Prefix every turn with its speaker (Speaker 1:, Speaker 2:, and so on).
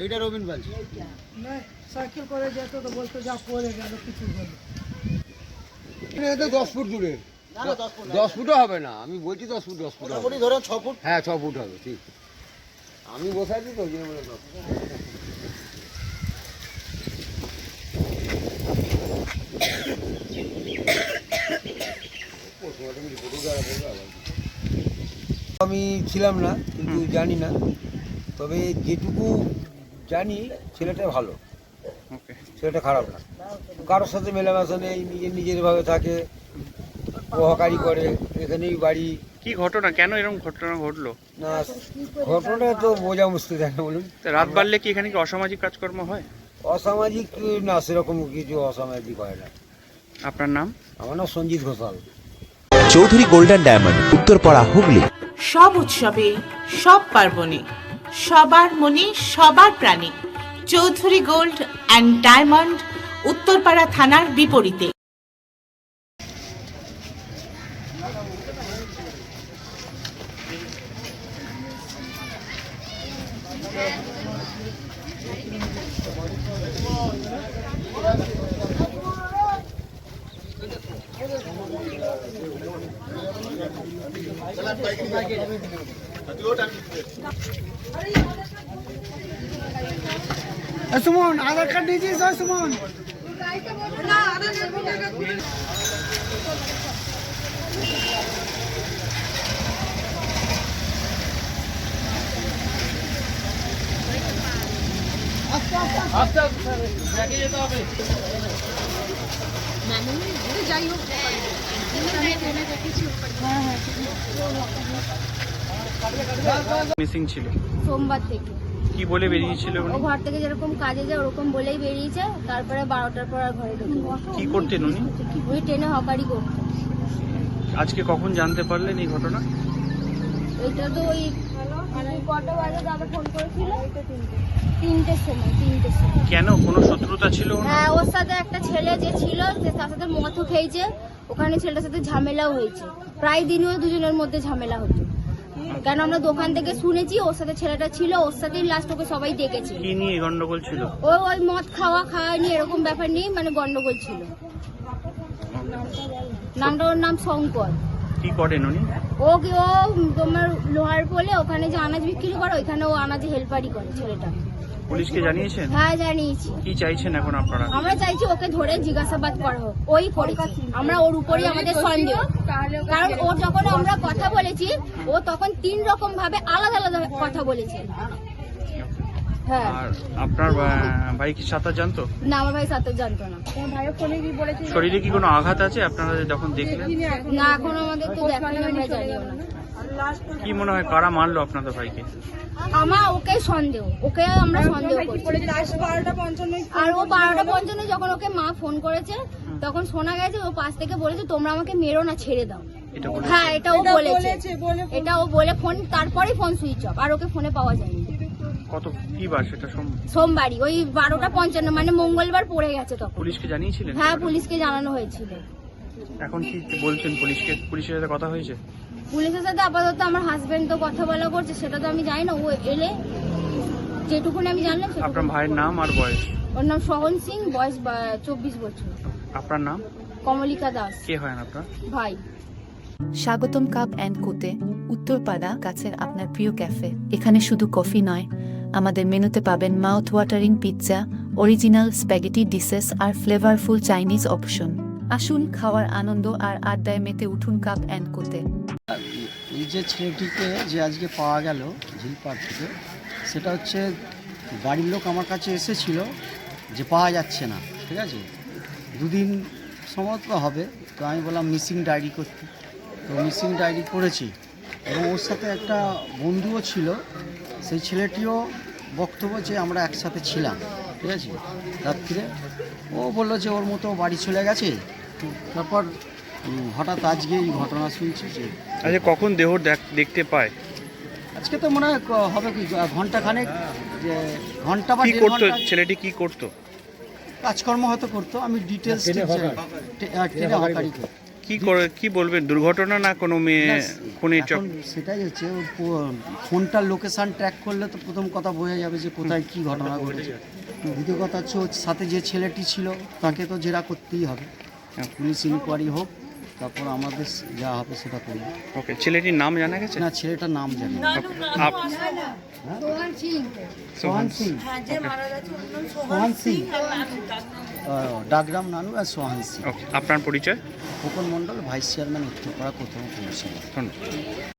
Speaker 1: এইটা রবিন বলছি
Speaker 2: সাইকেল করে যেত তো বলতো যা পড়ে গেল কিছু হলো।
Speaker 1: এটা 10 ফুট দূরে। 10 ফুটও হবে না, আমি বলছি 10 ফুট হবে।
Speaker 3: ধরেন 6 ফুট।
Speaker 1: হ্যাঁ 6 ফুট হবে, ঠিক। আমি বসাইছি তো যে বলে আমি ছিলাম না, কিন্তু জানি না, তবে যেটুকু জানি ছেলেটা ভালো, ছেলেটা খারাপ না, কারোর সাথে মেলামেশা নেই, নিজের ভাবে থাকে, হকারি করে, এখানেই বাড়ি।
Speaker 4: কি ঘটনা, কেন এরকম ঘটনা ঘটলো?
Speaker 1: না ঘটনা তো বোঝা মুশকিল, তাই না বলুন?
Speaker 4: রাত বাড়লে কি এখানে কি অসামাজিক কাজকর্ম হয়?
Speaker 1: অসামাজিক না, সেরকম কিছু অসামাজিক হয় না।
Speaker 4: আপনার নাম?
Speaker 1: আমার নাম সঞ্জিত ঘোষাল।
Speaker 5: Chowdhury golden diamond, Uttarpara, Hooghly.
Speaker 6: সব উৎসবে, সব পার্বণে সবার মনে সবার প্রাণে Chowdhury gold and diamond, Uttarpara থানার বিপরীতে।
Speaker 2: সুমন আধার কার্ড দিয়েছিস? সুমন
Speaker 4: মিসিং ছিল
Speaker 7: সোমবার থেকে।
Speaker 4: কি বলে বেরিয়েছিল উনি?
Speaker 7: ও ঘর থেকে যেরকম কাজে যায় ওরকম বলেই বেরিয়েছে, তারপরে 12টার পর আর ঘরে ঢুকে।
Speaker 4: কি করতেন উনি?
Speaker 7: ওই ট্রেনে হকারি করতো।
Speaker 4: আজকে কখন জানতে পারলেন এই ঘটনা?
Speaker 7: এটা তো ওই কটা বাজে দাদা ফোন করেছিল, তিনটের সময়।
Speaker 4: কেন, কোনো শত্রুতা ছিল?
Speaker 7: হ্যাঁ, ওর সাথে একটা ছেলে যে ছিল সে তার সাথে মদও খেয়েছে, ওখানে ছেলেটার সাথে ঝামেলাও হয়েছে, প্রায় দিনই ওই দুজনের মধ্যে ঝামেলা হতো। কেন আমরা দোকান থেকে শুনেছি ওর সাথে ছেলেটা ছিল, ওর সাথেই লাস্ট ওকে সবাই দেখেছে।
Speaker 4: কি নিয়ে গন্ডগোল ছিল?
Speaker 7: ওই মদ খাওয়া নিয়ে এরকম ব্যাপার নিয়ে মানে গন্ডগোল ছিল। ওর নাম শঙ্কর।
Speaker 4: কি করেন উনি?
Speaker 7: ও তোমার লোহার পোলে ওখানে যে আনাজ বিক্রি করে, ওইখানে ও আনাজে হেল্পারি করে ছেলেটা।
Speaker 4: পুলিশকে জানিয়েছেন?
Speaker 7: হ্যাঁ জানিয়েছি।
Speaker 4: কি চাইছেন এখন আপনারা?
Speaker 7: আমরা চাইছি ওকে ধরে জিজ্ঞাসাবাদ করা হোক, ওই করেছে, আমরা ওর উপরই আমাদের সন্দেহ। কারণ ও যখন আমরা কথা বলেছি ও তখন 3 রকম ভাবে আলাদা আলাদা কথা বলেছে। হ্যাঁ।
Speaker 4: আর আপনার ভাই কি সাঁতার জানতো?
Speaker 7: না, আমার ভাই সাঁতার জানতো না।
Speaker 4: শরীরে কি কোনো আঘাত আছে আপনারা যখন দেখলেন?
Speaker 7: না, এখন আমাদের তো দেখানো, আমরা জানিও না।
Speaker 4: কি মনে হয় কারা মারলো আপনাদের ভাইকে?
Speaker 7: ওকে সন্দেহ, ওকে আমরা সন্দেহ করছি। আর ও 12:55 যখন ওকে মা ফোন করেছে তখন শোনা গেছে ও পাশ থেকে বলেছে তোমরা আমাকে মেরো না, ছেড়ে দাও। হ্যাঁ, এটা ও বলেছে, এটা ও বলে ফোন, তারপরেই ফোন সুইচ অফ, আর ওকে ফোনে পাওয়া যায়নি।
Speaker 4: কত কি বার সেটা?
Speaker 7: সোমবারই ওই 12:55, মানে মঙ্গলবার পড়ে গেছে তখন।
Speaker 4: পুলিশকে জানিয়েছিলেন?
Speaker 7: হ্যাঁ, পুলিশকে জানানো হয়েছিল।
Speaker 4: এখন কি বলছেন পুলিশকে? পুলিশের সাথে কথা হয়েছে?
Speaker 7: পুলিশের সাথে আপাতত আমার হাজবেন্ড তো কথা বলা করছে, সেটা তো আমি জানি না, ও এলে যেটুকুনি আমি জানলাম।
Speaker 4: আপনার ভাইয়ের নাম আর বয়স?
Speaker 7: ওর নাম সহন সিং, বয়স 24 বছর।
Speaker 4: আপনার নাম?
Speaker 7: কমলিকা দাস।
Speaker 4: কে হয় আপনার
Speaker 7: ভাই?
Speaker 8: স্বাগতম কাপ অ্যান্ড কোতে, উত্তরপাড়া, কাছের আপনার প্রিয় ক্যাফে। এখানে শুধু কফি নয়, আমাদের মেনুতে পাবেন mouth watering pizza, original spaghetti dishes আর ফ্লেভারফুল চাইনিজ অপশন। আসুন, খাওয়ার আনন্দ আর আড্ডায় মেতে উঠুন কাপ অ্যান্ড কোতে।
Speaker 3: এই যে ছেলেটিকে যে আজকে পাওয়া গেল ঝিলপাড় থেকে, সেটা হচ্ছে বাড়ির লোক আমার কাছে এসেছিল যে পাওয়া যাচ্ছে না, ঠিক আছে, 2 দিন সম্ভবত হবে। তো আমি বললাম মিসিং ডায়েরি করতে, তো মিসিং ডায়েরি করেছি। এবং ওর সাথে একটা বন্ধুও ছিল, সেই ছেলেটিও বক্তব্য যে আমরা একসাথে ছিলাম, ঠিক আছে। রাত্রে ও বললো যে ওর মতো বাড়ি চলে গেছে। তারপর হঠাৎ আজকে এই ঘটনা শুনছি যে।
Speaker 4: আচ্ছা, কখন দেহ দেখতে পায়?
Speaker 3: আজকে তো মনে হয় হবে কি ঘন্টাখানেক, যে ঘন্টা বা 1.5
Speaker 4: করতো
Speaker 3: ঘন্টা।
Speaker 4: ছেলেটি কি করতো?
Speaker 3: কাজকর্ম হয়তো করতো, আমি ডিটেলস
Speaker 4: কি বলবেন, দুর্ঘটনা না কোনো মেয়ে খুনের চক?
Speaker 3: এখন সেটাই হচ্ছে ফোনটার লোকেশন ট্র্যাক করলে তো প্রথম কথা বোঝা যাবে যে কোথায় কি ঘটনা ঘটেছে। দ্বিতীয় কথা হচ্ছে ওর সাথে যে ছেলেটি ছিল তাকে তো জেরা করতেই হবে, পুলিশ ইনকোয়ারি হোক, তারপর আমাদের যা হবে সেটা করবো।
Speaker 4: ওকে, ছেলেটির নাম জানা গেছে?
Speaker 3: না, ছেলেটার নাম জানি না। সোহান সিং, সোহান সিং, ডাকগ্রাম নানু আর সোহান সিং।
Speaker 4: ওকে, আপনার পরিচয়?
Speaker 3: খোকন মণ্ডল, ভাইস চেয়ারম্যান, উত্তরপাড়া প্রথম পৌরসভা।
Speaker 4: ধন্যবাদ।